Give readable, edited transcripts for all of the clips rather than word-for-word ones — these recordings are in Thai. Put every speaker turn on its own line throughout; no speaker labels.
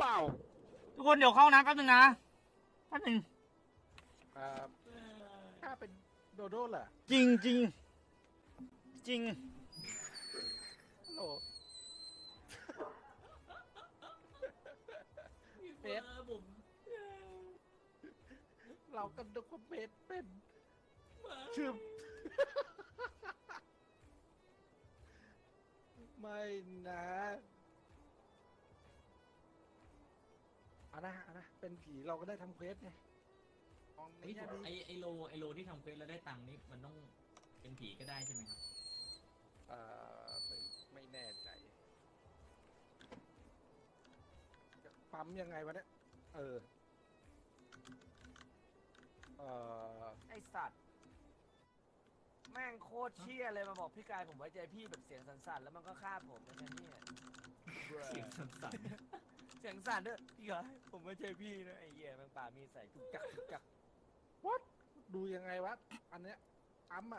ล่า
ทุกคนเดี๋ยวเข้านะแป๊บนึงนะแป๊บนึง
ถ้าเป็นโดโด้เหรอ
จริงจริงจริง
ฮัลโหลเฟสเรากันดูว่าเฟสเป็นชื่อไม่นะเอานะเป็นผีเราก็ได้ทำเควสไงมองใน
เฮ้ย
แง่ดี
ไอโลที่ทำเควสแล้วได้ตังค์นี่มันต้องเป็นผีก็ได้ใช่ไหมครับ
ไม่แน่ใจจะปั๊มยังไงวะเนี่ย
ไอสัตว์แม่งโคตรเชี่ยเลยมาบอกพี่กายผมไว้ใจพี่แบบเสียงสั่นๆแล้วมันก็ฆ่าผมนะเนี่ย
เสียงสั่น
เสียงสั่นด้วยพี่กายผมไว้ใจพี่นะไอ้เหี้ยแม่งป่ามีใส่ทุกจัก
what ดูยังไงวะอันเนี้ยปั๊มอ่ะ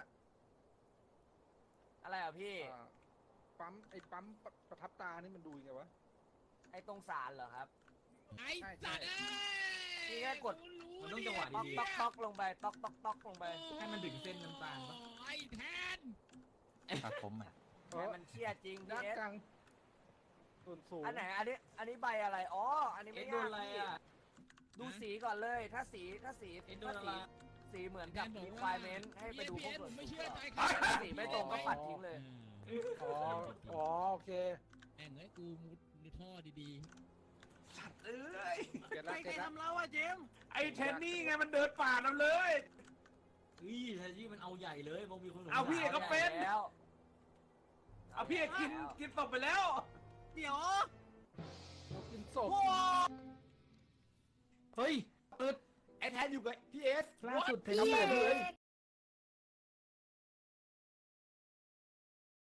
อะไรอ่ะพี่
ปั๊มประทับตานี่มันดูยังไงวะ
ไอ้ตรงสารเหรอครับ
ไอ้สัตว์
พี่แค่กด
ๆมันต้องจังหวะ
ต๊อก
ดี
ต๊อกต๊อกลงไปต๊อกต๊อกต๊อกลงไป
ๆให้มันถึงเส้นน้ำตาลปะ
ไอ้แทน
ตัดผมอ่ะ
ให้มันเชี่ยจริง
ด้าน
พี่เอส
กลางส่วนสูง
อันไหนอันนี้ใบอะไรอ๋ออันนี้
เอ็
ไม่
ดโด
ยาน ก
อะไร
พี่
อ่ะ
ดูสีก่อนเลยถ้าสี
เอ็ดโดนอะไร
สีเหมือนกับ requirement ให้ไปดูพวก
ผมไม่เชื่อใจ
ถ้าสีไม่ตรงก็ปัดทิ้งเลย
อ๋อโอเค
แม่งเอ้ยกูมุดท่อดี
เอ้ย
เก็ตละเก็ตละ
ไอ้เทนนี่ไงมันเดินป่าเราเลย
เฮ้ยแทนที่มันเอาใหญ่เลยบอกมีคนสงสัย
เอาพี่ก็เป็น
แล้ว
เอาพี่กินศพไปแล้ว
เดี๋ยว
เรากินศพ
เฮ้ย
ไอ้แทนอยู่กับพี่เอส
ล่าสุดเทนเนอร์เลย